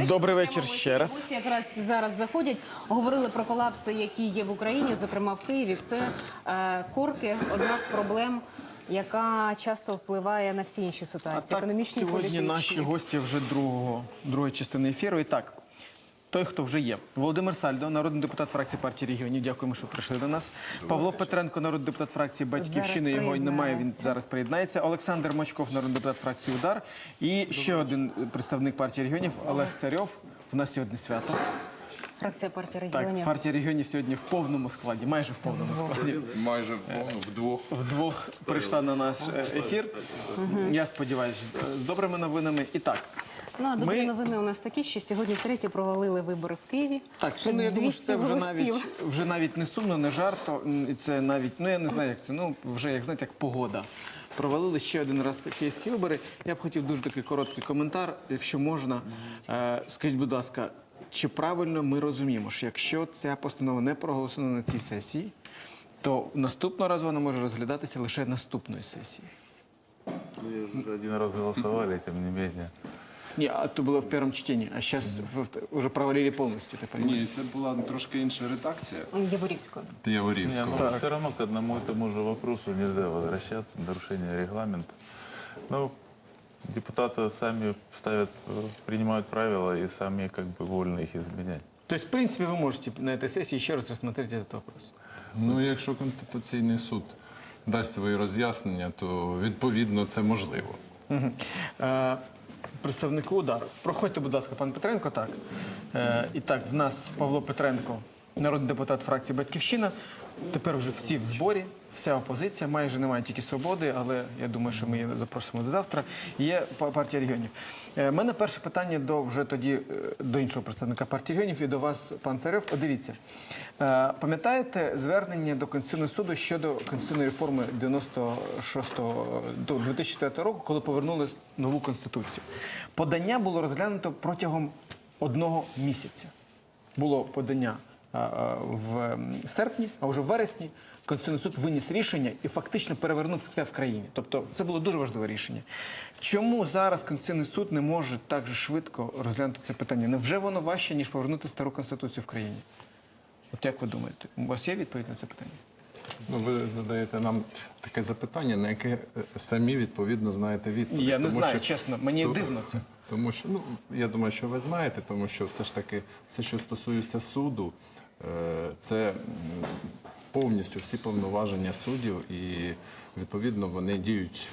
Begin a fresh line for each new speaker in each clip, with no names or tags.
Добрий вечір ще раз.
Гості якраз зараз заходять. Говорили про колапси, які є в Україні, зокрема в Києві. Це корки – одна з проблем, яка часто впливає на всі інші ситуації, економічні, політичні.
Сьогодні наші гості вже другої частини ефіру. І так, той, хто вже є. Володимир Сальдо, народний депутат фракції партії регіонів. Дякуємо, що прийшли до нас. Павло Петренко, народний депутат фракції Батьківщини. Його немає, він зараз приєднається. Олександр Мочков, народний депутат фракції УДАР. І ще один представник партії регіонів Олег Царьов. У нас сьогодні свято.
Фракція партії регіонів.
Так, партія регіонів сьогодні в повному складі, майже в повному складі.
Майже вдвох.
Вдвох прийшла на наш ефір. Я сподіваюся, з добрими новинами. І так.
Ну, а добрі новини у нас такі, що сьогодні втретє провалили вибори в Києві.
Так, ну, я думаю, що це вже навіть не сумно, не жарто. І це навіть, ну я не знаю, як це, ну вже, як знаєте, як погода. Провалили ще один раз київські вибори. Я б хотів дуже такий короткий коментар, якщо можна. Скажіть, будь ласка, чи правильно ми розуміємо, що якщо ця постанова не проголосована на цій сесії, то наступного разу вона може розглядатися лише наступної сесії?
Ну, вже один раз голосували, тим не менше.
Ні, а то було в першому читанні, а зараз вже провалили повністю.
Ні, це була трошки інша редакція.
Яворівського.
Яворівського.
Ну, все равно к одному и тому же вопросу нельзя возвращаться, нарушение регламента. Ну, депутаты сами принимают правила и сами как бы вольны их изменять.
То есть, в принципе, вы можете на этой сессии еще раз рассмотреть этот вопрос?
Ну, якщо Конституційний суд дасть свої роз'яснення, то відповідно це можливо.
Представнику УДАРу. Проходьте, будь ласка, пан Петренко. Так. І так, в нас Павло Петренко, народний депутат фракції «Батьківщина». Тепер вже всі в зборі, вся опозиція. Майже немає тільки «Свободи», але я думаю, що ми її запросимо завтра. Є партія регіонів. У мене перше питання вже тоді до іншого представника партії регіонів і до вас, пан Царьов. От дивіться, пам'ятаєте звернення до Конституційного суду щодо конституційної реформи 2004 року, коли повернули нову Конституцію? Подання було розглянуто протягом 1 місяця. Було подання в серпні, а вже в вересні Конституційний суд виніс рішення і фактично перевернув все в країні. Тобто це було дуже важливе рішення. Чому зараз Конституційний суд не може так же швидко розглянути це питання? Невже воно важче, ніж повернути стару Конституцію в країні? От як ви думаєте? У вас є відповідь на це питання?
Ну, ви задаєте нам таке запитання, на яке самі відповідно знаєте відповідь.
Я не знаю, чесно, мені дивно це.
Тому що, ну, я думаю, що ви знаєте, тому що все ж таки, все, що стосується суду, це повністю всі повноваження суддів і, відповідно, вони діють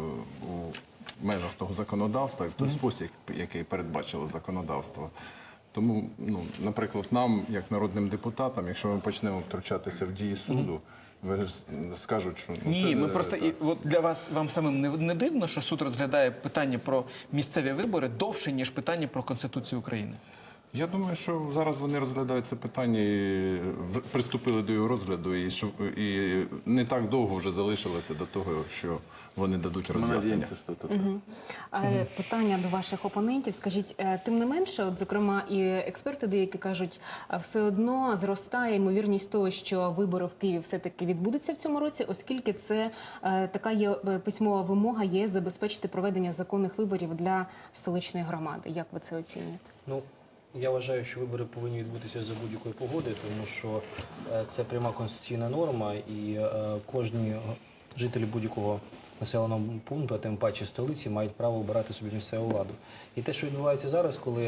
у межах того законодавства і в той спосіб, який передбачило законодавство. Тому, ну, наприклад, нам, як народним депутатам, якщо ми почнемо втручатися в дії суду, ви скажуть, що... Ну,
ні, ми просто, і от для вас, вам самим не дивно, що суд розглядає питання про місцеві вибори довше, ніж питання про Конституцію України?
Я думаю, що зараз вони розглядають це питання і приступили до його розгляду, і не так довго вже залишилося до того, що вони дадуть роз'яснення.
Питання до ваших опонентів. Скажіть, тим не менше, от, зокрема, і експерти деякі кажуть, все одно зростає ймовірність того, що вибори в Києві все-таки відбудуться в цьому році, оскільки це така є письмова вимога є забезпечити проведення законних виборів для столичної громади. Як ви це оцінюєте?
Ну, я вважаю, що вибори повинні відбутися за будь-якої погоди, тому що це пряма конституційна норма, і кожні жителі будь-якого населеного пункту, а тим паче столиці, мають право обирати собі місцеву владу. І те, що відбувається зараз, коли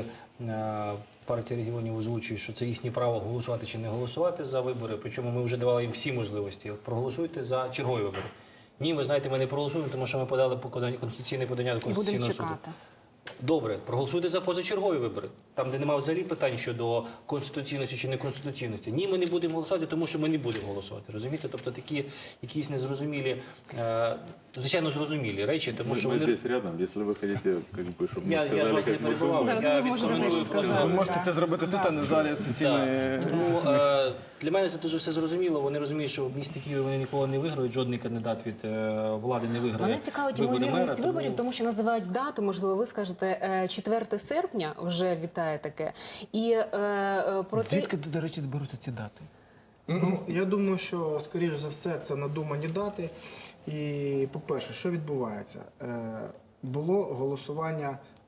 партія регіонів озвучує, що це їхнє право голосувати чи не голосувати за вибори, причому ми вже давали їм всі можливості. Проголосуйте за чергові вибори. Ні, ви знаєте, ми не проголосуємо, тому що ми подали конституційне подання до Конституційного суду. Добре, проголосуйте за позачергові вибори, там, де немає взагалі питань щодо конституційності чи неконституційності. Ні, ми не будемо голосувати, тому що ми не будемо голосувати. Розумієте? Тобто такі якісь незрозумілі, звичайно, зрозумілі речі, тому що
ми здесь рядом, якщо ви хочете, щоб ми сказали,
я ж вас не перебував, я відкоментую.
Ви можете це зробити тут, а не в залі сесійної.
Тому для мене це дуже все зрозуміло. Вони розуміють, що в місті Києві вони ніколи не виграють, жодний кандидат від влади не виграє.
Мене цікавить ймовірність виборів, тому що називають дату, можливо, ви скажете 4 серпня, вже вітає таке. І про це...
Звідки, до речі, беруться ці дати?
Ну, я думаю, що, скоріш за все, це надумані дати. І, по-перше, що відбувається? Було голосування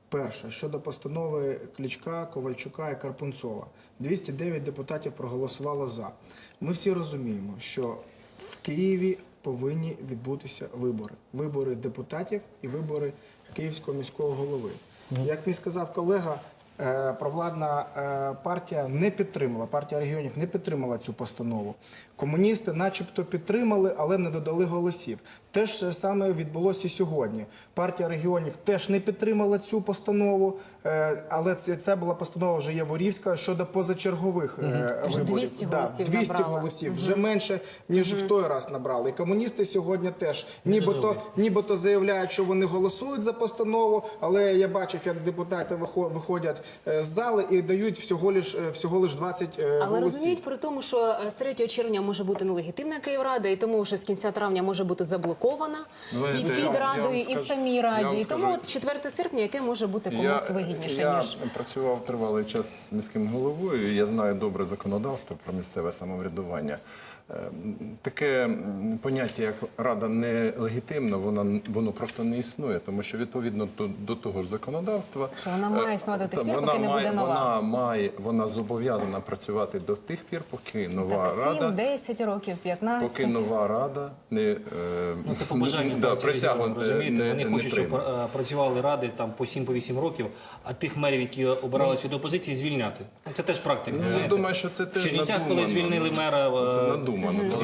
Перше, щодо постанови Кличка, Ковальчука і Карпунцова. 209 депутатів проголосувало за. Ми всі розуміємо, що в Києві повинні відбутися вибори. Вибори депутатів і вибори Київського міського голови. Як мені сказав колега, провладна партія не підтримала, партія регіонів не підтримала цю постанову. Комуністи начебто підтримали, але не додали голосів. Те ж саме відбулося і сьогодні. Партія регіонів теж не підтримала цю постанову, але це була постанова вже Яворівська щодо позачергових виборів.
200 голосів
200
набрала.
голосів, вже менше, ніж в той раз набрали. І комуністи сьогодні теж нібито заявляють, що вони голосують за постанову, але я бачив, як депутати виходять з зали і дають всього лиш 20
Але
голосів.
розуміють при тому, що з 3 червня може бути нелегітимна Київрада, і тому вже з кінця травня може бути заблокована і під Радою, і в самій Раді. І тому от 4 серпня, яке може бути комусь вигідніше,
я
ніж...
працював тривалий час з міським головою, і я знаю добре законодавство про місцеве самоврядування. Таке поняття, як рада нелегітимна, воно просто не існує, тому що відповідно до того ж законодавства,
Що вона має існувати до тих пір, поки не буде нова.
вона зобов'язана працювати до тих пір, поки нова
Так, 7,
рада,
10 років, 15.
поки нова рада не
Ну, це побажання партії
присягу
регіонів, розумієте? Вони
не
хочуть, щоб
прийме.
працювали ради там по 7-8 років, а тих мерів, які обирались від опозиції, звільняти. Це теж практика.
Я
знаєте.
думаю, що це
В
теж
Чернівцях,
надумано.
коли звільнили мера,
Це надумано.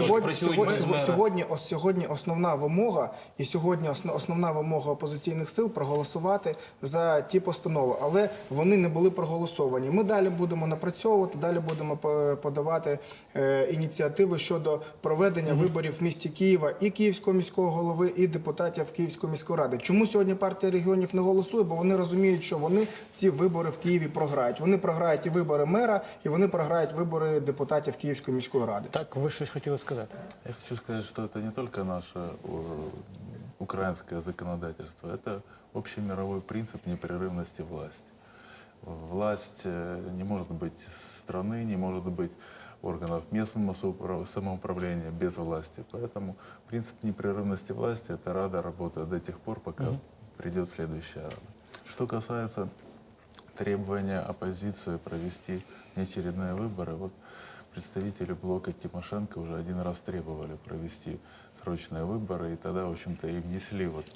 Сьогодні основна вимога, і сьогодні основна вимога опозиційних сил проголосувати за ті постанови, але вони не були проголосовані. Ми далі будемо напрацьовувати, далі будемо подавати ініціативи щодо проведення виборів в місті Києва і Київського міського голови, і депутатів Київської міської ради. Чому сьогодні партія регіонів не голосує? Бо вони розуміють, що вони ці вибори в Києві програють. Вони програють і вибори мера, і вони програють вибори депутатів Київської міської ради.
Так, ви щось хотіли сказати?
Я хочу сказать, что это не только наше украинское законодательство, это общемировой принцип непрерывности власти. Власть не может быть страны, не может быть органов местного самоуправления без власти. Поэтому принцип непрерывности власти – это Рада работает до тех пор, пока придет следующая Рада. Что касается требования оппозиции провести неочередные выборы, вот представители блока Тимошенко уже один раз требовали провести срочные выборы, и тогда, в общем-то, и внесли вот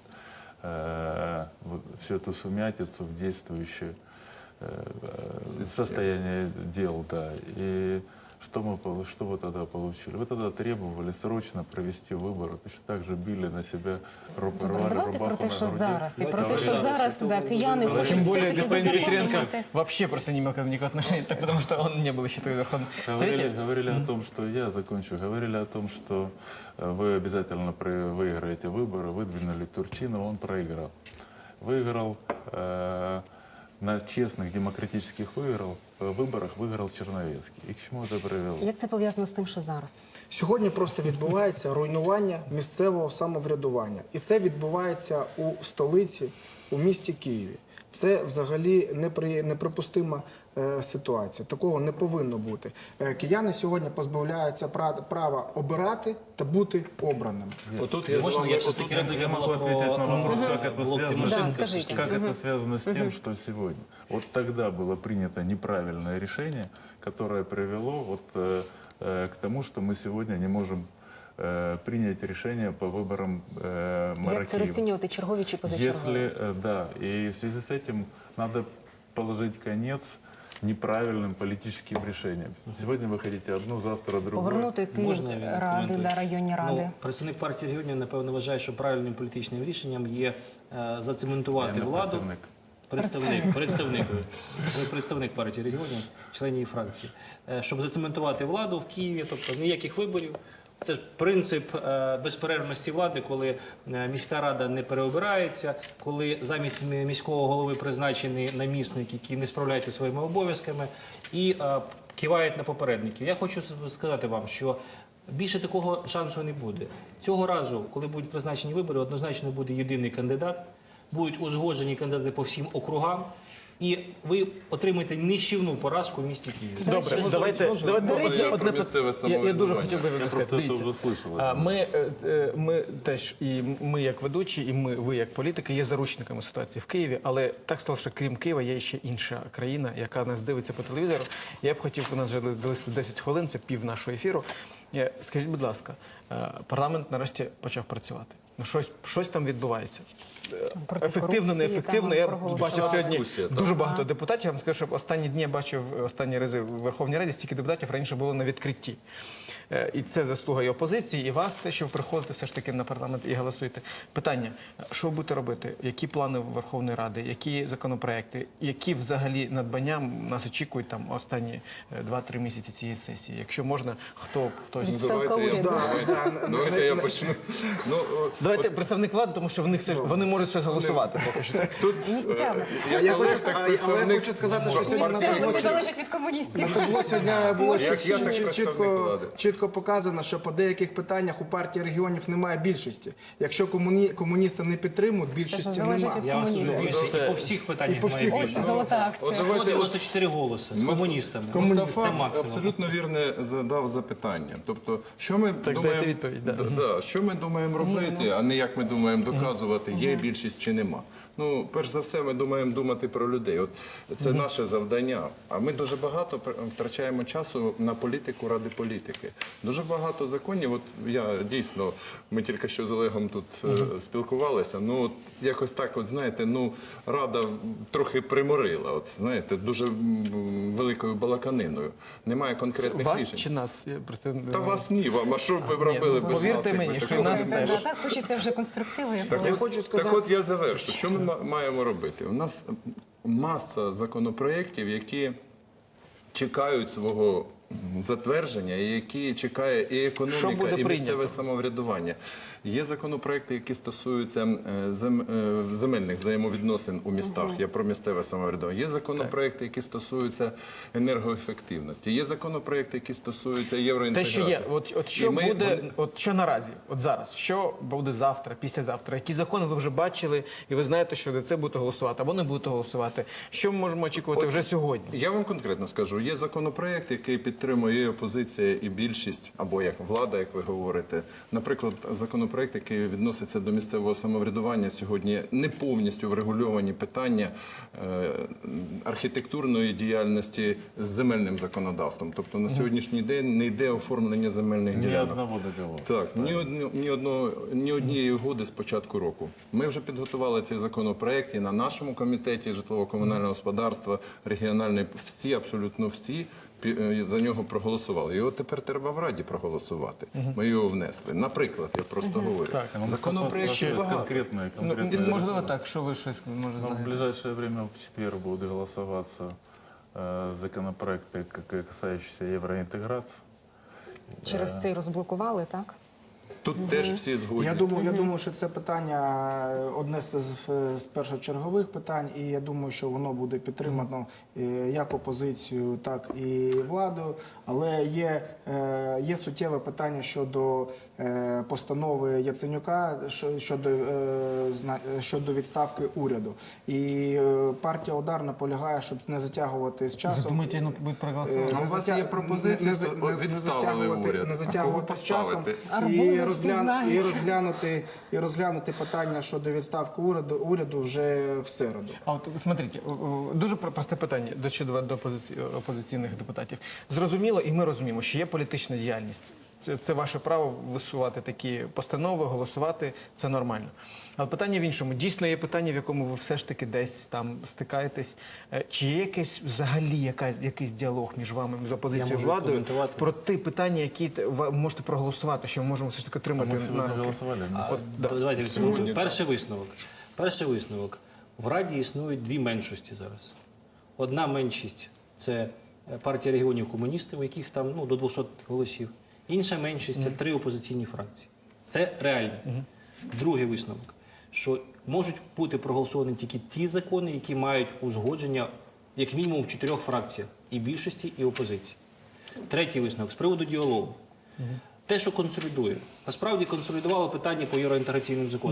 всю эту сумятицу в действующее состояние дел, да. И что вы тогда получили? Вы тогда требовали срочно провести выборы, точно так же били на себя, рвали
Давайте про
рубаху
те,
на
що
груди.
зараз, і про те,
Давайте
що
зараз.
зараз, да, кияни хочуть
Тем более
все-таки
господин Петренко
зареєструвати.
вообще просто не имел к этому никакого отношения, так потому что он не был еще тогда в Верховном Совете.
Говорили о том, что я закончу. Говорили о том, что вы обязательно выиграете выборы, выдвинули Турчинова, он проиграл. Выиграл на честных демократических выборах выиграл Черновецкий. И к чему это привело?
Як це пов'язано з тим, що зараз?
Сьогодні просто відбувається руйнування місцевого самоврядування. І це відбувається у столиці, у місті Києві. Це взагалі неприпустима ситуація. Такого не повинно бути. Кияни сьогодні позбавляються права обирати та бути обраними.
Отут
Можна я все-таки
Я могу ответить на вопрос, как это
блок
связано,
Да, скажите.
как это связано с тем, что сегодня. Вот тогда было принято неправильное решение, которое привело вот, к тому, что мы сегодня не можем принять решение по выборам мэра
Як це
Киева.
розцінювати, чергові чи позачергові?
Если, да, и в связи с этим надо положить конец неправильным политическим решениям. Сегодня вы хотите одну, завтра другую.
Повернути Київ
Можна я
ради,
відкоментую?
да, районні ради.
Ну, представник партії регіонів, напевно, вважає, що правильним політичним рішенням є зацементувати
Я не
владу.
представник.
Ви представник партії регіонів, член її фракції. Щоб зацементувати владу в Києві, тобто ніяких виборів. Це ж принцип безперервності влади, коли міська рада не переобирається, коли замість міського голови призначений намісник, який не справляється своїми обов'язками, і кивають на попередників. Я хочу сказати вам, що більше такого шансу не буде. Цього разу, коли будуть призначені вибори, однозначно буде єдиний кандидат, будуть узгоджені кандидати по всім округам, і ви отримаєте нищівну поразку в місті Києві.
Добре, давайте
до речі,
одне
про місцеве
я дуже
самоврядування.
хотів би
Я
сказати.
просто это
Дивіться,
уже слышал.
ми теж, і ми як ведучі, і ви як політики є заручниками ситуації в Києві, але так стало, що крім Києва є ще інша країна, яка нас дивиться по телевізору. Я б хотів, у нас вже залишилось 10 хвилин, це пів нашого ефіру. Скажіть, будь ласка, парламент нарешті почав працювати. Ну, щось там відбувається.
Проти
Ефективно,
корупції
неефективно.
там
Я
проголосували.
бачив сьогодні
Дискусія, так.
дуже багато депутатів. Я вам скажу, що останні дні я бачив останні рази в Верховній Раді стільки депутатів раніше було на відкритті. І це заслуга і опозиції, і вас, те, що ви приходите все ж таки на парламент і голосуєте. Питання, що ви будете робити? Які плани Верховної Ради, які законопроекти, які взагалі надбання нас очікують там останні 2-3 місяці цієї сесії? Якщо можна, хтось...
Відставка
Давайте я-
уряду.
Давайте я почну. Ну,
Давайте представник влади, тому що вони можуть щось голосувати поки що.
Місцями.
я
Я
коли
хочу,
так
але я
представник
хочу сказати, що сьогодні
Місцями це залежить від комуністів.
Табло сьогодні було
Як я, так представник влади.
чітко показано, що по деяких питаннях у партії регіонів немає більшості. Якщо комуністи не підтримують, більшості
залежить
немає.
від
Я вас
комуністів.
розумію, і по всіх питаннях
по
має
всіх.
більше.
Ось золота акція.
194 голоси з комуністами. Це
Мустафа
максимум.
абсолютно вірне задав запитання. Тобто, що ми
дайте
думаємо,
відповідь, да.
що ми думаємо робити, а не як ми думаємо доказувати, є більшість чи нема. Ну, перш за все, ми думаємо думати про людей. От це наше завдання. А ми дуже багато втрачаємо часу на політику ради політики. Дуже багато законів. От я дійсно, ми тільки що з Олегом тут спілкувалися. Ну, от якось так, от знаєте, ну рада трохи приморила. От знаєте, дуже великою балаканиною. Немає конкретних
Вас
рішень.
чи нас? Я просто...
Та вас ні, вам. А що б ви робили без нас?
повірте
якби
мені, що
такого
і нас
не
теж.
було?
Так хочеться вже конструктиву
Так,
якогось.
хочу сказати-
так от я завершу. Що ми маємо робити? У нас маса законопроєктів, які чекають свого затвердження, і які чекає і
Що
економіка,
буде
і
прийнято?
місцеве самоврядування. Є законопроекти, які стосуються земельних взаємовідносин у містах. Я про місцеве самоврядування. Є законопроекти, які стосуються енергоефективності. Є законопроекти, які стосуються
Те,
євроінтеграції.
що є, от що
І ми-
буде, от що наразі, от зараз, що буде завтра, післязавтра, які закони ви вже бачили, і ви знаєте, що за це будете голосувати, або не будете голосувати. Що ми можемо очікувати вже сьогодні?
Я вам конкретно скажу, є законопроект, який підтримує і опозиція, і більшість, або як влада, як ви говорите. Наприклад, законопроект, який відноситься до місцевого самоврядування, сьогодні не повністю врегульовані питання архітектурної діяльності з земельним законодавством. Тобто на сьогоднішній день не йде оформлення земельних
Ни
ділянок.
одного договора.
Так, ні однієї угоди з початку року. Ми вже підготували цей законопроект і на нашому комітеті житлово-комунального господарства, регіональний, всі, абсолютно всі за нього проголосували. Його тепер треба в Раді проголосувати. Ми його внесли. Наприклад, я просто говорю.
Так,
Законопроектів багато.
Конкретные
Можливо так, що ви щось може
Но в
знаєте?
ближайшее время в четверг будут голосоваться законопроекты, касающиеся евроинтеграции.
Через це і розблокували, так?
Тут теж всі згодні.
Я думаю, що це питання одне з першочергових питань, і я думаю, що воно буде підтримано як опозицією, так і владою. Але є суттєве питання щодо постанови Яценюка щодо відставки уряду. І партія «Удар» наполягає, щоб не затягувати з часом.
Думаєте, ну будуть проголосувати?
А у вас є пропозиція відставили уряд.
Не
А
затягувати
кого
з часом
поставити?
Арбузи всі знають.
і розглянути питання щодо відставки уряду вже в середу.
А от смотрите, дуже просте питання до опозиційних депутатів. Зрозуміло, і ми розуміємо, що є політична діяльність. Це ваше право висувати такі постанови, голосувати, це нормально. Але питання в іншому. Дійсно є питання, в якому ви все ж таки десь там стикаєтесь. Чи є якийсь взагалі якийсь діалог між вами, між опозицією і
можу
владою
коментувати.
про ті питання, які ви можете проголосувати, що ми можемо все ж таки
А
отримати
мы сегодня
на
голосовали вместе.
Давайте відсунемо. Перший висновок. В Раді існують дві меншості зараз. Одна меншість – це партія регіонів комуністів, у яких там до 200 голосів. Інша меншість – це 3 опозиційні фракції. Це реальність. Другий висновок, що можуть бути проголосовані тільки ті закони, які мають узгодження як мінімум в 4 фракціях – і більшості, і опозиції. Третій висновок з приводу діалогу. Те, що консолідує. Насправді консолідувало питання по євроінтеграційним законам.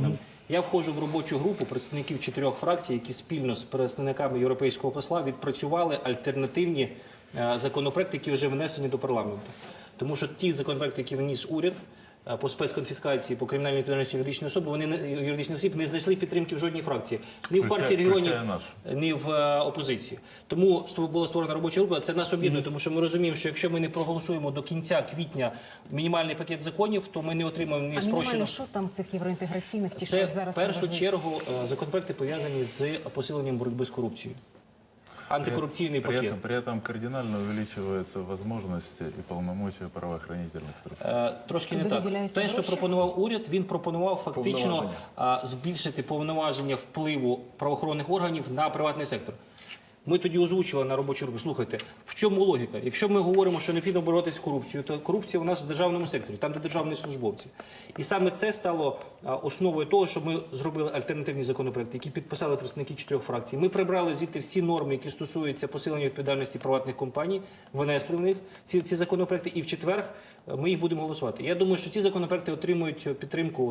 Я входжу в робочу групу представників 4 фракцій, які спільно з представниками європейського посла відпрацювали альтернативні законопроекти, які вже внесені до парламенту. Тому що ті законопроекти, які вніс уряд по спецконфіскації, по кримінальній відповідальності юридичної особи, юридичних осіб не знайшли підтримки в жодній фракції. Ні в партії регіонів, ні в опозиції. Тому була створена робоча група. Це нас об'єднує, тому що ми розуміємо, що якщо ми не проголосуємо до кінця квітня мінімальний пакет законів, то ми не отримаємо ні
А мінімально
спрощеного.
що там цих євроінтеграційних, ті,
Це
що зараз
в першу
важливі?
чергу законопроекти пов'язані з посиленням боротьби з корупцією. Антикоррупционный пакет.
При этом кардинально увеличиваются возможности и полномочия правоохранительных структур.
Трошки не
Туди
так.
виділяються
Те, що
гроші?
пропонував уряд, він пропонував фактично збільшити повноваження впливу правоохоронних органів на приватний сектор. Ми тоді озвучували на робочій групі, слухайте, в чому логіка? Якщо ми говоримо, що необхідно боротися з корупцією, то корупція у нас в державному секторі, там, де державні службовці. І саме це стало основою того, що ми зробили альтернативні законопроекти, які підписали представники 4 фракцій. Ми прибрали звідти всі норми, які стосуються посилення відповідальності приватних компаній, внесли в них ці законопроекти, і в четвер ми їх будемо голосувати. Я думаю, що ці законопроекти отримують підтримку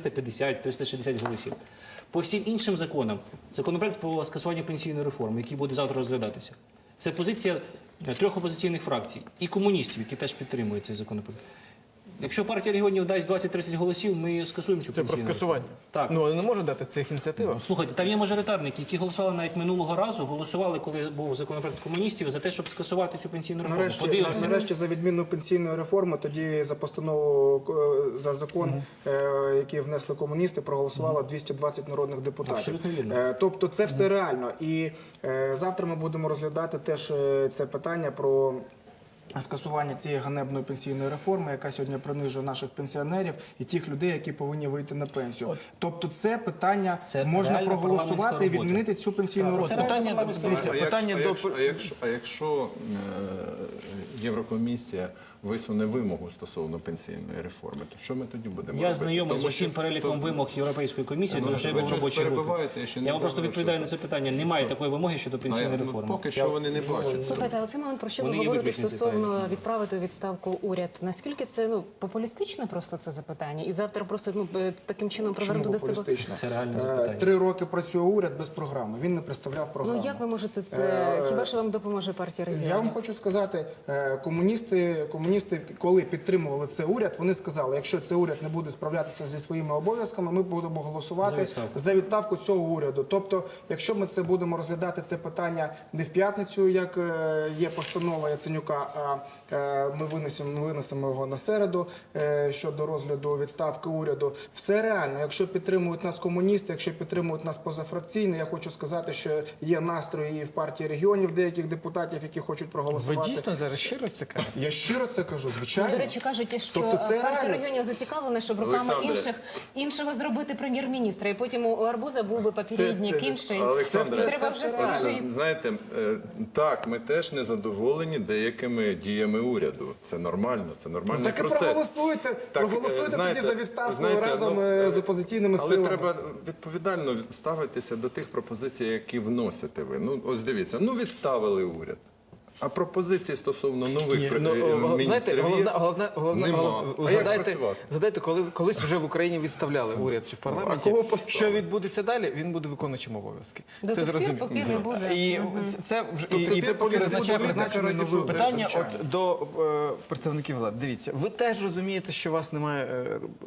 350-360 голосів. По всім іншим законам, законопроект про скасування пенсійної реформи, який буде завтра розглядатися, це позиція 3 опозиційних фракцій і комуністів, які теж підтримують цей законопроект. Якщо партія регіонів дасть 20-30 голосів, ми скасуємо цю
Це про
пенсійну реформу.
скасування.
Так.
Ну, вони не можуть дати цих ініціативах.
Слухайте, там є мажоритарники, які голосували навіть минулого разу, голосували, коли був законопроект комуністів, за те, щоб скасувати цю пенсійну реформу.
Нарешті за відміну пенсійної реформи, тоді за постанову, за закон, який внесли комуністи, проголосувало 220 народних депутатів.
Абсолютно вірно.
Тобто це все реально. І завтра ми будемо розглядати теж це питання про скасування цієї ганебної пенсійної реформи, яка сьогодні принижує наших пенсіонерів і тих людей, які повинні вийти на пенсію. Тобто це питання
Це
можна
реальна
проголосувати і
парламентська
відмінити цю пенсійну
Так,
реформу.
Якщо Єврокомісія висуне вимогу стосовно пенсійної реформи, то що ми тоді будемо робити?
Я знайомий з
Тому
усім
що-
переліком вимог Європейської комісії,
Ну,
тому що я
ви
був в
щось
робочій групі.
перебиваєте, я ще не
Я вам просто
завершив.
відповідаю на це питання. Немає такої вимоги щодо пенсійної
Ну,
реформи.
поки що вони не бачать.
Слухайте, а оцей момент, про що ви
Вони є
говорите
виключні
стосовно відправити у відставку уряд, наскільки це популістичне просто це запитання? І завтра просто таким чином привернути до себе...
популістично?
Це реальне запитання.
3 роки працює уряд без програми. Він не представляв програму.
Ну як ви можете це... Хіба що вам допоможе партія регіонів?
Я вам хочу сказати, комуністи, коли підтримували цей уряд, вони сказали, якщо цей уряд не буде справлятися зі своїми обов'язками, ми будемо голосувати за відставку цього уряду. Тобто, якщо ми це будемо розглядати це питання не в п'ятницю, як є постанова Яценюка, а ми винесемо його на середу щодо розгляду відставки уряду. Все реально. Якщо підтримують нас комуністи, якщо підтримують нас позафракційно, я хочу сказати, що є настрої і в партії регіонів деяких депутатів, які хочуть
Ви
проголосувати.
дійсно зараз щиро це кажете?
Я щиро це кажу, звичайно.
Ну, до речі, кажуть, що
Тобто це
партія
реально.
регіонів зацікавлена, щоб руками
Олександре.
іншого зробити прем'єр-міністра. І потім у Арбуза був би попередник інший.
Олександре,
Треба вже
це
свіжий.
Знаєте, так, ми теж не задоволені деякими діями уряду. Це нормально, це нормальний
Так і
процес.
проголосуйте. Проголосуйте
знаєте,
тоді за відставку
знаєте,
разом
ну,
з опозиційними
Але
силами.
треба відповідально ставитися до тих пропозицій, які вносите ви. Ну, ось дивіться, ну відставили уряд. А пропозиції стосовно нових міністрів нема. А як працювати?
Згадайте, коли колись вже в Україні відставляли уряд чи в парламенті,
А кого поставили?
що відбудеться далі, він буде виконуючим обов'язки.
До
Це
тих пір,
зрозуміло.
поки не буде.
І це вже
Тобто
і
тепер
поки
він
визначає
буде
призначений
визначений
новий питання
звичайно.
от до представників влади. Дивіться, ви теж розумієте, що у вас немає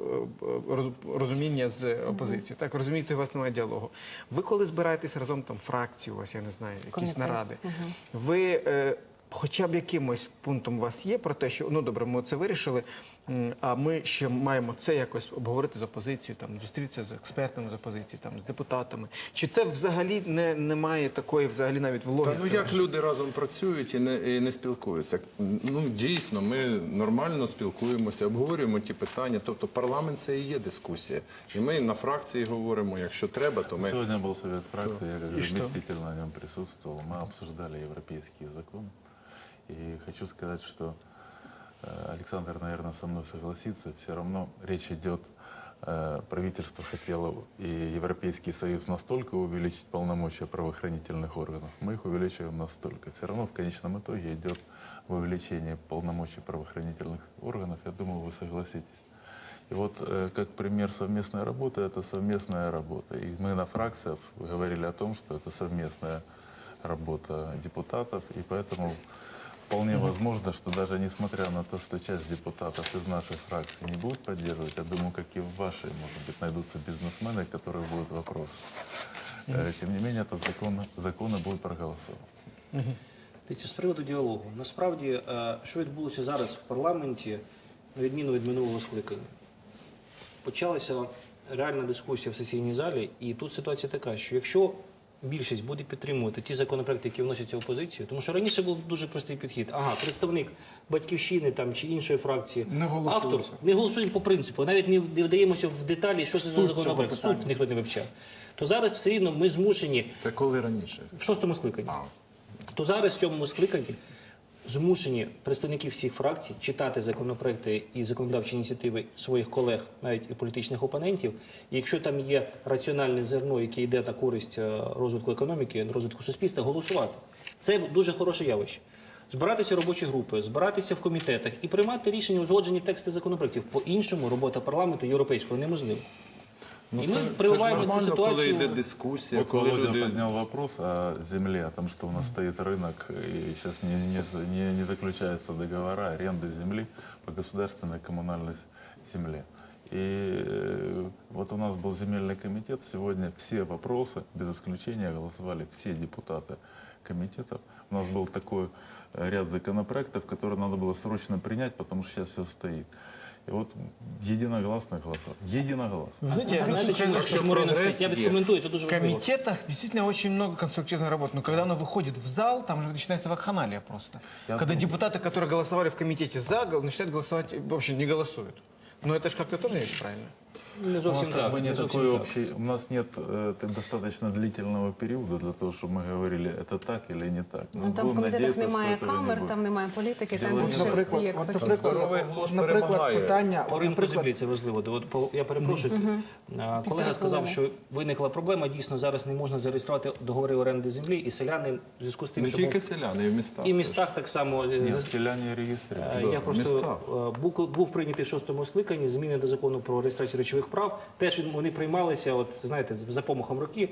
розуміння з опозицією. Так, розумієте, у вас немає діалогу. Ви коли збираєтесь разом там фракції, у вас, я не знаю, якісь
Комітет.
наради, ви хоча б якимось пунктом у вас є про те, що ну добре, ми це вирішили, а ми ще маємо це якось обговорити з опозицією, там зустрітися з експертами з опозиції, там з депутатами. Чи це взагалі немає такої, взагалі навіть в логіці?
Ну як люди разом працюють і не спілкуються? Ну дійсно, ми нормально спілкуємося, обговорюємо ті питання. Тобто парламент це і є дискусія. І ми на фракції говоримо, якщо треба, то ми
Сегодня был совет фракции, я как заместитель на нем присутствовал. Мы обсуждали европейские законы. И хочу сказать, что Александр, наверное, со мной согласится. Все равно речь идет, правительство хотело и Европейский Союз настолько увеличить полномочия правоохранительных органов. Мы их увеличиваем настолько. Все равно в конечном итоге идет увеличение полномочий правоохранительных органов. Я думаю, вы согласитесь. И вот как пример совместной работы, это совместная работа. И мы на фракциях говорили о том, что это совместная работа депутатов, и поэтому вполне возможно, что даже несмотря на то, что часть депутатов из нашей фракции не будут поддерживать, я думаю, как и в вашей, может быть, найдутся бизнесмены, которые будут вопросы. Тем не менее, этот закон и будет проголосован.
Дивіться, з приводу діалогу. Насправді, що відбулося зараз в парламенті, на відміну від минулого скликання? Почалася реальна дискусія в сесійній залі, і тут ситуація така, що якщо більшість буде підтримувати ті законопроекти, які вносяться опозицією, тому що раніше був дуже простий підхід. Ага, представник «Батьківщини» там, чи іншої фракції,
Не голосується.
автор, не голосуємо по принципу, навіть не вдаємося в деталі, що це за законопроект, суд ніхто не вивчав. То зараз все рівно ми змушені
Це коли раніше?
в шостому скликанні. То зараз в цьому скликанні змушені представники всіх фракцій читати законопроекти і законодавчі ініціативи своїх колег, навіть і політичних опонентів. І якщо там є раціональне зерно, яке йде на користь розвитку економіки, розвитку суспільства, голосувати. Це дуже хороше явище. Збиратися в робочі групи, збиратися в комітетах і приймати рішення, узгоджені тексти законопроектів. По-іншому робота парламенту європейського неможлива. І ми прививаємо цю
Коли
ситуацію.
йде дискусія,
Вот
коли
Володя
люди...
поднял вопрос о земле, о том, что у нас стоит рынок, и сейчас не заключаются договора аренды земли по государственной коммунальной земле. И вот у нас был земельный комитет, сегодня все вопросы, без исключения, голосовали все депутаты комитетов. У нас был такой ряд законопроектов, которые надо было срочно принять, потому что сейчас все стоит. И вот единогласно голосовали. Единогласно.
Вы знаете,
Знаєте, чому ринок стоїть? Я відкоментую, це дуже
в
важливо.
комитетах действительно очень много конструктивной работы. Но когда оно выходит в зал, там же начинается вакханалия просто. Когда депутаты, которые голосовали в комитете за, начинают голосовать, вообще не голосуют. Но это же как-то тоже не очень правильно.
Не
У нас
зовсім
как
так.
бы
не
не
зовсім
такой
так.
общий, у нас нет достаточно длительного периода для того, чтобы мы говорили, это так или не так. Мы
Ну, там в
будем
комітетах
надеяться,
немає
что этого не
камер,
будет.
там немає політики, там
От,
більше всі як
Здоровий
фахівці.
глузд
Наприклад,
перемагає.
питання,
По ринку землі це важливо. Я перепрошую. Колега сказав, що виникла проблема. Дійсно, зараз не можна зареєструвати договори оренди землі, і селяни в зв'язку з тим,
Не
що
тільки селяни, і в містах.
і в містах так само.
Нет, селяне регистрируют.
Я
в
просто
містах.
був прийнятий в шостому скликанні зміни до закону про реєстрацію речових прав. Теж вони приймалися, от знаєте, за помахом роки.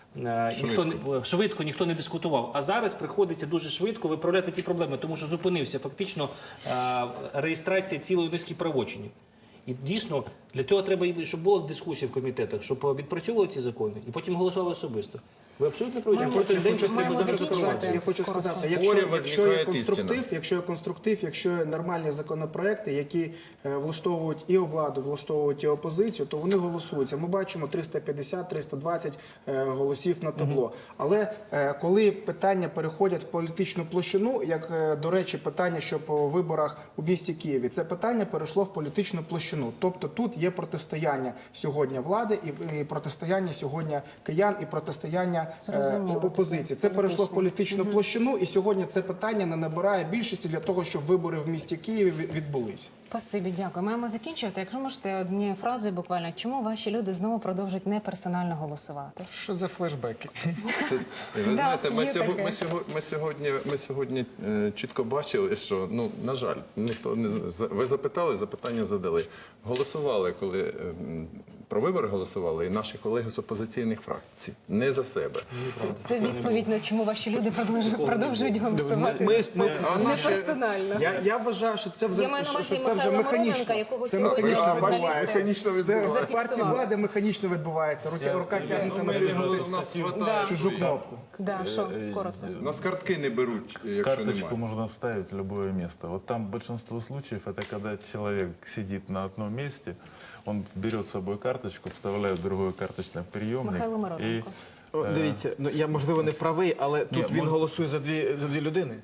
Швидко ніхто не дискутував. А зараз приходиться дуже швидко виправляти ті проблеми, тому що зупинився фактично реєстрація цілої низки правочинів. І дійсно для цього треба, щоб була дискусія в комітетах, щоб відпрацьовували ці закони і потім голосували особисто. Ви абсолютно праві, що кожен день щось треба
маємо
зареєструвати.
закінчувати.
Я хочу сказати,
Спорів
якщо є
возникає істина.
якщо є нормальні законопроекти, які влаштовують і владу, влаштовують і опозицію, то вони голосуються. Ми бачимо 350-320 голосів на табло. Але коли питання переходять в політичну площину, як, до речі, питання, що по виборах у місті Києві, це питання перейшло в політичну площину. Тобто тут є протистояння сьогодні влади і протистояння сьогодні киян, і протистояння
Зрозуміло.
опозиції. Це перейшло в політичну площину, і сьогодні це питання не набирає більшості для того, щоб вибори в місті Києві відбулись.
Спасибі, дякую. Маємо закінчувати. Якщо можете однією фразою буквально, чому ваші люди знову продовжують неперсонально голосувати?
Что за флешбеки?
Ви знаєте,
є таке.
ми сьогодні чітко бачили, що, ну, на жаль, ніхто не ви запитали, запитання задали. Голосували, коли про вибори голосували, і наші колеги з опозиційних фракцій, не за себе.
Це відповідь на чому ваші люди продовжують голосувати. Не персонально.
Я вважаю, що це
Я маю на увазі
що це вже
Михайла
механічно.
Мироненка, якого
Це
сьогодні
механічно
журналісти
відбувається. Це в партії
зафіксували.
влади механічно відбувається. Рука тягнеться
Ми
натиснути
у нас
Да.
хватає
чужу кнопку.
Да, що, коротко.
У нас картки не беруть, якщо
Карточку
немає.
можно вставить в любое место. Вот там большинство случаев это когда человек сидит на одном месте, он берет с собой карточку, вставляет в другой карточный приемник.
Михайло Мироненко.
О, дивіться, ну я можливо не правий, але тут він голосує за дві людини.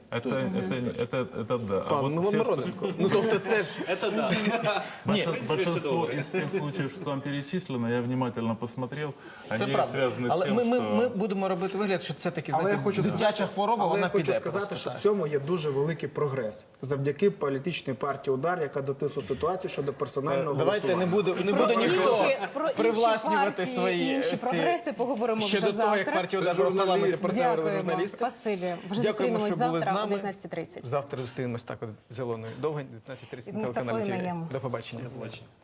Это да. А
Пан
вот все
Мироненко. Ну тобто це ж
Це да.
большинство из тех случаев, что там перечислено, я внимательно посмотрел,
це
они
правда.
связаны с
Але
тем,
ми
что...
будемо робити вигляд, що це таки
Але я
знаєте,
хочу
дитяча хвороба,
Але
вона
я хочу
піде.
сказати,
просто
що
так.
в цьому є дуже великий прогрес завдяки політичній партії «Удар», яка дотисла ситуацію щодо персонального
Давайте не
голосування.
буде ніхто
Про інші
привласнювати
партії,
свої
інші
ці-
прогреси поговоримо
ще
вже
до того, як
завтра.
партія «Удар» в парламенті про це говорили
Дякуємо.
журналісти.
Спасибі. Вже
Дякуємо,
зустрінемось
що були з
завтра о
нами.
19:30.
Завтра зустрінемось так от з Зеленою Довгань, 19:30
І з
на телеканалі
Мустафою
ТВ.
Наємом.
До побачення.
Бачите.